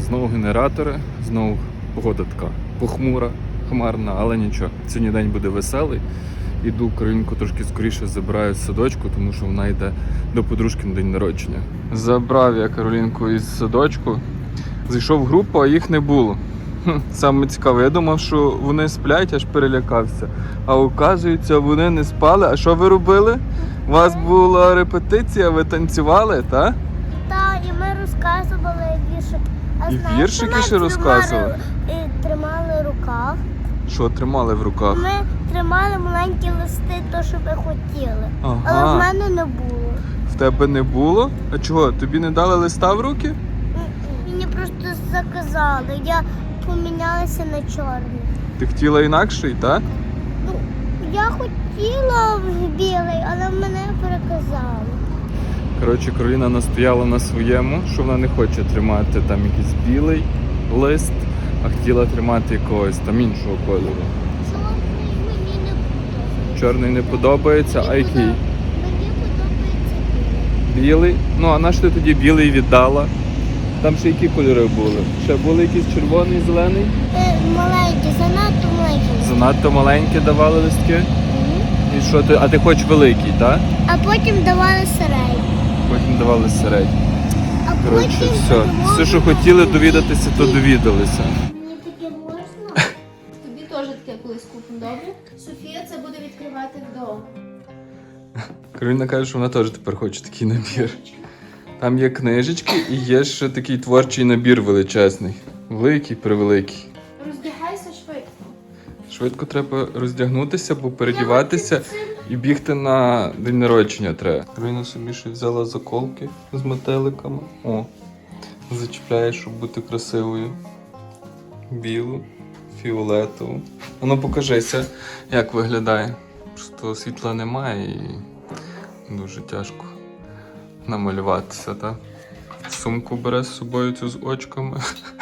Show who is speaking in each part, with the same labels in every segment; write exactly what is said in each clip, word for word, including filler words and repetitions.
Speaker 1: Знову генератори, знову погода така похмура, хмарна, але нічого. Сьогодні день буде веселий. Іду Каролінку трошки скоріше забираю з садочку, тому що вона йде до подружки на день народження. Забрав я Каролінку із садочку. Зайшов в групу, а їх не було. Хм, саме цікаве, я думав, що вони сплять, аж перелякався. А оказується, вони не спали. А що ви робили? У вас була репетиція, ви танцювали, так?
Speaker 2: Так, і ми розказували віршик. А
Speaker 1: І
Speaker 2: знаєш,
Speaker 1: віршики
Speaker 2: ми
Speaker 1: ще розказували?
Speaker 2: Тримали, і тримали в руках.
Speaker 1: Що тримали в руках?
Speaker 2: Ми тримали маленькі листи, то, що ви хотіли.
Speaker 1: Ага.
Speaker 2: Але в мене не було.
Speaker 1: В тебе не було? А чого? Тобі не дали листа в руки?
Speaker 2: Мені просто заказали. Я помінялася на чорний.
Speaker 1: Ти хотіла інакший, так?
Speaker 2: Ну, я хотіла в білий, але мене переказали.
Speaker 1: Коротше, Кароліна настояла на своєму, що вона не хоче тримати там якийсь білий лист, а хотіла тримати якогось там іншого кольору.
Speaker 2: Чорний мені не подобається.
Speaker 1: Чорний не подобається, а який?
Speaker 2: Мені подобається білий.
Speaker 1: Білий? Ну, а на що ти тоді білий віддала? Там ще які кольори були? Ще були якісь червоний, зелений?
Speaker 2: Е, маленький, занадто маленький.
Speaker 1: Занадто маленькі давали листки? І що ти? А ти хочеш великий, так?
Speaker 2: А потім давали середній.
Speaker 1: Потім давали середній.
Speaker 2: А
Speaker 1: Коротше,
Speaker 2: потім
Speaker 1: все. Все, що хотіли довідатися, то довідалися.
Speaker 2: Мені таке можна?
Speaker 3: Тобі теж таке колись купимо, добре? Софія це буде відкривати вдома.
Speaker 1: Кароліна каже, що вона теж тепер хоче такий набір. Там є книжечки і є ще такий творчий набір величезний. Великий, превеликий.
Speaker 3: Роздягайся швидко.
Speaker 1: Швидко треба роздягнутися, бо передіватися і бігти на день народження треба. Кароліна собі ще взяла заколки з метеликами. О, зачіпляє, щоб бути красивою. Білу, фіолетову. А ну покажися, як виглядає. Просто світла немає і дуже тяжко намалюватися, так? Сумку бере з собою цю з очками.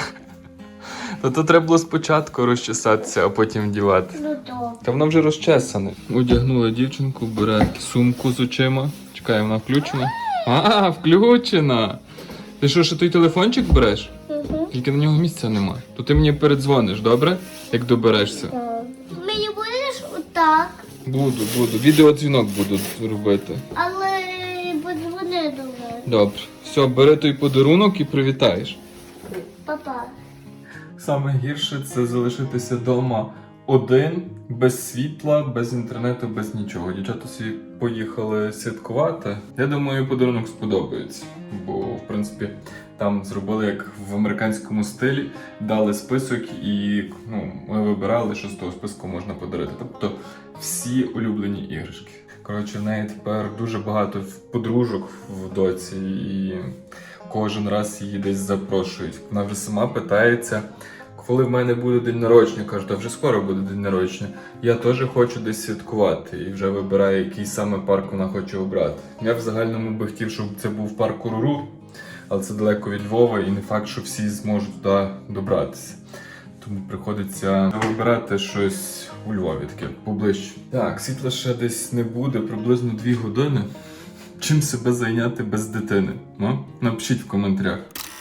Speaker 1: Та то треба було спочатку розчесатися, а потім вдівати.
Speaker 2: Ну добре.
Speaker 1: Та вона вже розчесана. Одягнула дівчинку, бере сумку з очима. Чекай, вона включена? А, включена! Ти що, ще той телефончик береш?
Speaker 2: Угу.
Speaker 1: Тільки на нього місця нема. То ти мені передзвониш, добре? Як доберешся.
Speaker 2: Мені будеш отак,
Speaker 1: Буду, буду. Відеодзвінок буду робити.
Speaker 2: але подзвони до мене.
Speaker 1: Добре. Все, бери той подарунок і привітаєш.
Speaker 2: Папа.
Speaker 1: Саме гірше це залишитися вдома один, без світла, без інтернету, без нічого. Дівчата всі поїхали святкувати. Я думаю, подарунок сподобається. Бо, в принципі, там зробили як в американському стилі, дали список і ну, ми вибирали, що з того списку можна подарити. Тобто всі улюблені іграшки. Коротше, в неї тепер дуже багато подружок в доці і кожен раз її десь запрошують. Вона вже сама питається, коли в мене буде день народження. Кажу, та вже скоро буде день народження. Я теж хочу десь святкувати і вже вибирає, який саме парк вона хоче обрати. Я в загальному би хотів, щоб це був парк Уруру, але це далеко від Львова і не факт, що всі зможуть туди добратися. Тому приходиться вибирати щось у Львові таке поближче. Так, світла ще десь не буде, приблизно дві години. Чим себе зайняти без дитини? Ну, напишіть в коментарях.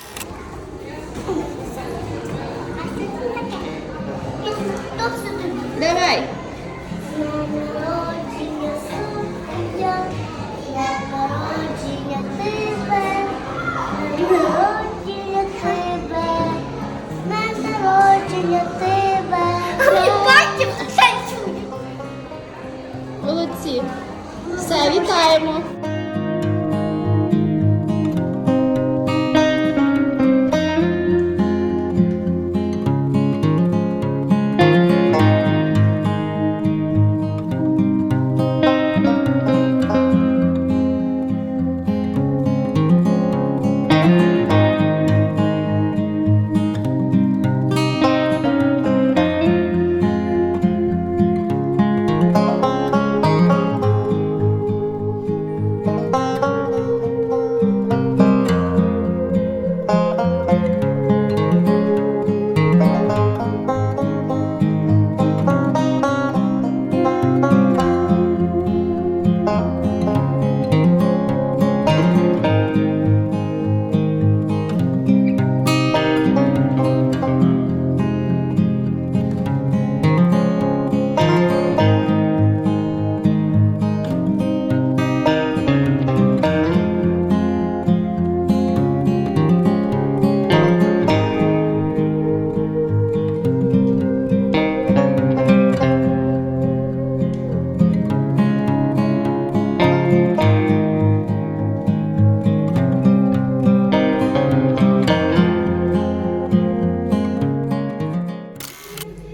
Speaker 3: Давай.
Speaker 2: Народження сумня, народження тебе, народження тебе, народження тебе.
Speaker 3: Молодці. Все, вітаємо.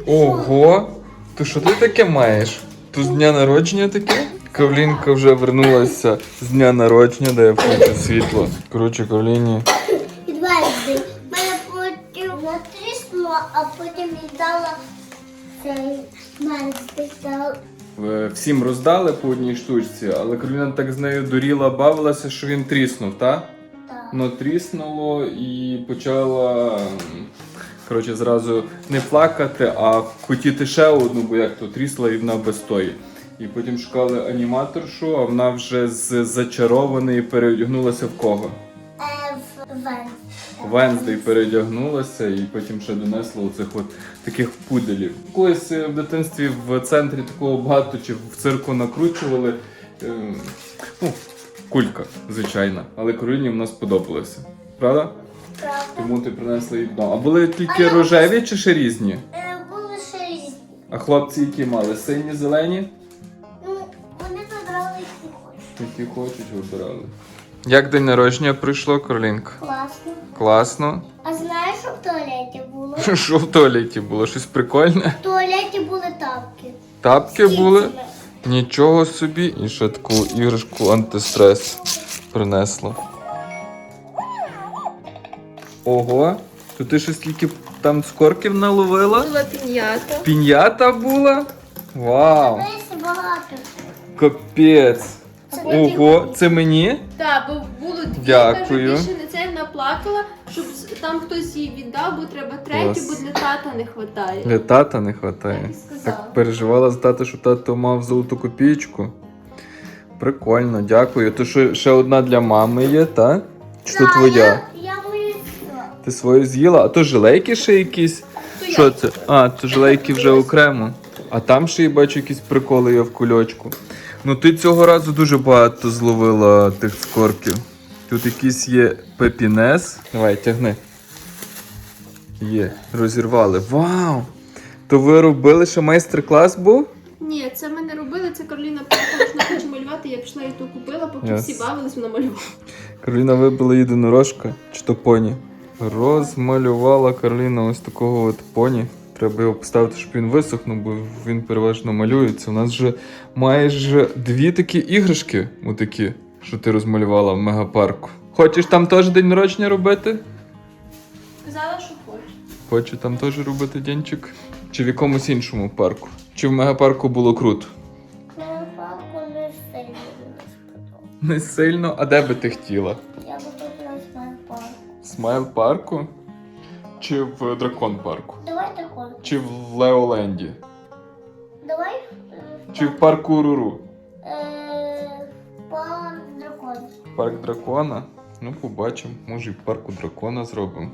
Speaker 1: Ого! То що ти таке маєш? Тут з дня народження таке? Кавлінка вже вернулася з дня народження, де я включу світло. Коротше, Кавліні.
Speaker 2: Відвезли. Мене потім натріснуло, а потім віддала цей мене спитав.
Speaker 1: Е, Всім роздали по одній штучці, але Кароліна так з нею дуріла, бавилася, що він тріснув, так?
Speaker 2: Так.
Speaker 1: Ну, тріснуло і почала, м, коротше, зразу не плакати, а хотіти ще одну, бо як то трісла і вона без тої. І потім шукали аніматоршу, а вона вже з зачарованої переодягнулася в кого?
Speaker 2: Е, в Вен.
Speaker 1: Венздей передягнулася і потім ще донесла оцих от таких пуделів. Колись е, в дитинстві в центрі такого багато чи в цирку накручували. Е, ну, кулька, звичайна. Але Кароліні вона сподобалася. Правда?
Speaker 2: Правда.
Speaker 1: Тому ти принесла її додому. А були тільки
Speaker 2: А я-
Speaker 1: рожеві чи ще різні?
Speaker 2: Е, були ще різні.
Speaker 1: А хлопці які мали? Сині, зелені?
Speaker 2: Ну, вони забрали які хочуть.
Speaker 1: Які хочуть, вибирали. Як день народження пройшло, Каролінка?
Speaker 2: Класно.
Speaker 1: Класно.
Speaker 2: А знаєш, що в туалеті було?
Speaker 1: Що в туалеті було? Щось прикольне?
Speaker 2: В туалеті були тапки.
Speaker 1: Тапки
Speaker 2: З
Speaker 1: були?
Speaker 2: кільцями.
Speaker 1: Нічого собі. І ще таку іграшку антистрес принесло. Ого, то ти ще скільки там скорків наловила?
Speaker 3: Була пін'ята.
Speaker 1: Пінята була? Вау!
Speaker 2: Десь багато.
Speaker 1: Капець!
Speaker 2: Це
Speaker 1: Ого, це мені?
Speaker 3: Так, бо було дві,
Speaker 1: Дякую.
Speaker 3: каже, більше не це вона плакала, щоб с- там хтось їй віддав, бо треба третю,
Speaker 1: Клас.
Speaker 3: бо для тата не вистачає.
Speaker 1: Для тата не вистачає.
Speaker 3: Так і сказала.
Speaker 1: Так переживала за тата, що тато мав золоту копійку. Прикольно, дякую. То що ще одна для мами є, та? Чи то
Speaker 2: Так,
Speaker 1: твоя?
Speaker 2: Я, я боюсь.
Speaker 1: Ти свою з'їла? А то жилейки ще якісь?
Speaker 3: То
Speaker 1: Що
Speaker 3: я.
Speaker 1: це? А, то жилейки вже окремо. А там ще я бачу якісь приколи є в кульочку. Ну ти цього разу дуже багато зловила тих скорків. Тут якийсь є пепінес. Давай, тягни. Є, розірвали. Вау! То ви робили, що майстер-клас був?
Speaker 3: Ні, це ми не робили, це Кароліна приїхала, що вона хоче малювати, я пішла і то купила, поки
Speaker 1: Yes.
Speaker 3: всі бавились, вона малювала.
Speaker 1: Кароліна вибила єдинорожка, чи то поні. Розмалювала Кароліна ось такого от поні. Треба його поставити, щоб він висохнув, бо він переважно малюється. У нас вже майже дві такі іграшки, отакі, що ти розмалювала в мегапарку. Хочеш там теж день народження робити?
Speaker 3: Сказала, що хоче.
Speaker 1: Хочу там теж робити денчик? Чи в якомусь іншому парку? Чи в мегапарку було круто?
Speaker 2: Папку не сильно не сподобав.
Speaker 1: Не сильно, а де би ти хотіла?
Speaker 2: Я би тут на смайл парк.
Speaker 1: В смайл парку? Чи в дракон парку?
Speaker 2: Давай такой.
Speaker 1: Чи в Леоленді?
Speaker 2: Давай. е,
Speaker 1: Чи в парку Руру?
Speaker 2: Е, Парк дракон.
Speaker 1: Парк дракона? Ну, побачимо. Може і в парку дракона зробимо.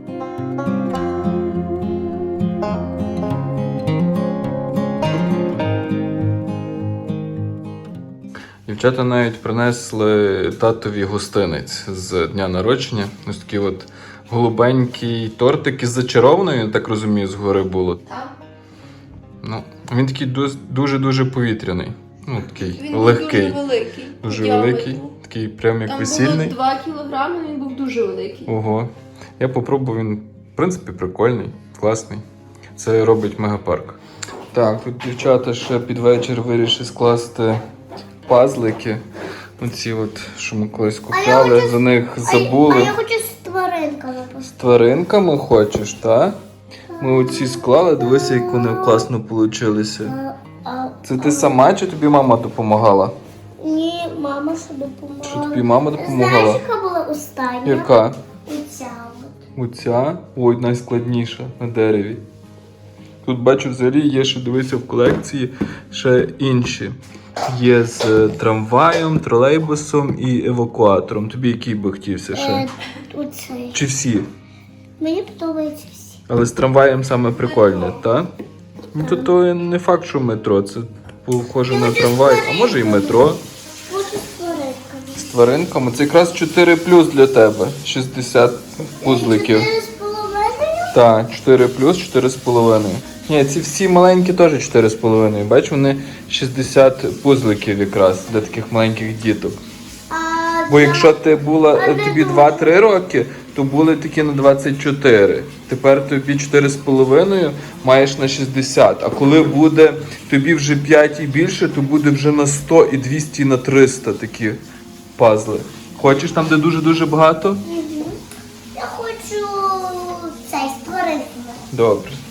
Speaker 1: Дівчата навіть принесли татові гостинець з дня народження. Ось такий от голубенький тортик із зачарованою, я так розумію, згори було.
Speaker 3: Так.
Speaker 1: Ну, він такий дос- дуже-дуже повітряний. Ну, такий
Speaker 3: Він
Speaker 1: легкий.
Speaker 3: був дуже великий.
Speaker 1: Дуже
Speaker 3: по діаметру.
Speaker 1: великий, такий прям як
Speaker 3: Там
Speaker 1: весільний.
Speaker 3: було два кілограми, він був дуже великий.
Speaker 1: Ого. Я попробував, він, в принципі, прикольний, класний. Це робить мегапарк. Так, тут дівчата ще під вечір вирішили скласти пазлики. Оці от, що ми колись купляли,
Speaker 2: хочу-
Speaker 1: за них
Speaker 2: А,
Speaker 1: забули.
Speaker 2: а я хочу з тваринками
Speaker 1: З
Speaker 2: поставити.
Speaker 1: тваринками хочеш, так? Ми оці склали, дивися, як вони класно получилися.
Speaker 2: А, а,
Speaker 1: Це ти сама чи тобі мама допомагала?
Speaker 2: Ні, мама що допомагала.
Speaker 1: Що тобі мама допомагала?
Speaker 2: Знаєш, яка була остання?
Speaker 1: Яка?
Speaker 2: Оця от.
Speaker 1: Оця? Ой, найскладніша на дереві. Тут бачу, взагалі є ще, дивися, в колекції ще інші. Є з е, трамваєм, тролейбусом і евакуатором. Тобі який би хотівся ще?
Speaker 2: Е, оцей.
Speaker 1: Чи всі?
Speaker 2: Мені подобаються всі.
Speaker 1: Але з трамваєм саме прикольне, так? Ну, то, то не факт, що метро. Це похоже на трамвай, а може і метро.
Speaker 2: Хочу з тваринками.
Speaker 1: З тваринками. Це якраз чотири плюс для тебе. шістдесят пузликів.
Speaker 2: Чотири з половиною?
Speaker 1: Так, чотири плюс, чотири з половиною. Ні, ці всі маленькі теж чотири з половиною. Бач, вони шістдесят пузликів якраз для таких маленьких діток.
Speaker 2: А
Speaker 1: Бо
Speaker 2: для-
Speaker 1: якщо ти була,
Speaker 2: А
Speaker 1: е,
Speaker 2: для
Speaker 1: тобі
Speaker 2: того-
Speaker 1: два-три роки, то були такі на двадцять чотири. Тепер тобі чотири з половиною маєш на шістдесят. А коли буде тобі вже п'ять і більше, то буде вже на сто і двісті і на триста такі пазли. Хочеш там, де дуже-дуже багато?
Speaker 2: Я хочу цей створити.
Speaker 1: Добре.